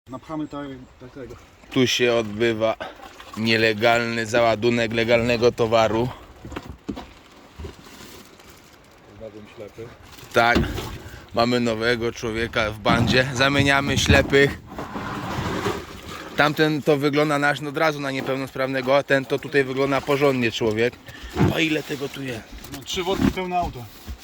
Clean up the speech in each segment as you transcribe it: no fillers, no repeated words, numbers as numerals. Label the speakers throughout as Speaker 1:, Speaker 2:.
Speaker 1: Napchamy tego.
Speaker 2: Tu się odbywa nielegalny załadunek legalnego towaru.
Speaker 1: Znalazłem ślepy.
Speaker 2: Tak, mamy nowego człowieka w bandzie. Zamieniamy ślepych. Tamten to wygląda nasz od razu na niepełnosprawnego, a ten to tutaj wygląda porządnie człowiek. O ile tego tu jest?
Speaker 1: No 3 worki pełne auto.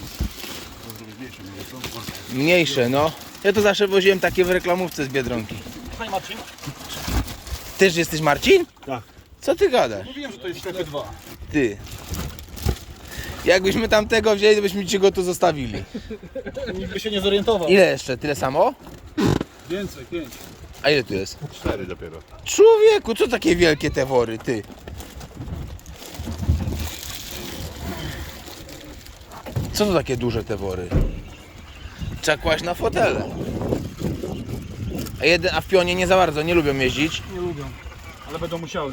Speaker 2: Mniejsze, no. Ja to zawsze woziłem takie w reklamówce z Biedronki.
Speaker 1: Hej Marcin.
Speaker 2: Też jesteś Marcin?
Speaker 1: Tak.
Speaker 2: Co ty gadasz?
Speaker 1: Mówiłem, że to jest ślepy 2.
Speaker 2: Ty. Jakbyśmy tamtego wzięli, to byśmy ci go tu zostawili.
Speaker 1: Nikt by się nie zorientował.
Speaker 2: Ile jeszcze? Tyle samo?
Speaker 1: Więcej, 5.
Speaker 2: A ile tu jest?
Speaker 3: 4 dopiero.
Speaker 2: Człowieku, co takie wielkie te wory, ty? Co to takie duże te wory? Trzeba kłaść na fotele. A w pionie nie za bardzo, nie lubią jeździć.
Speaker 1: Nie lubią, ale będą musiały.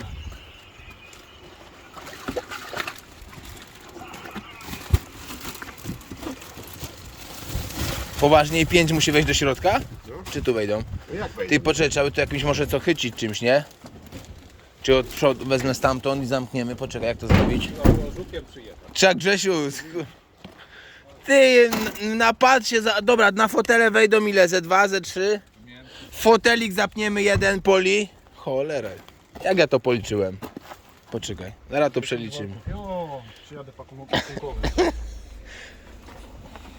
Speaker 2: Poważniej 5 musi wejść do środka? Czy tu wejdą?
Speaker 3: No jak wejdzie?
Speaker 2: Ty poczekaj, trzeba by tu jakimś może co chycić czymś, nie? Czy od przodu wezmę stamtąd i zamkniemy? Poczekaj, jak to zrobić? Trzeba Grzesiu... Ty, napad się za... Dobra, na fotele wejdą ile? Ze 2, ze 3? Fotelik zapniemy jeden poli. Cholera. Jak ja to policzyłem? Poczekaj, zaraz to przeliczymy.
Speaker 1: Jo, przyjadę pakunkowy.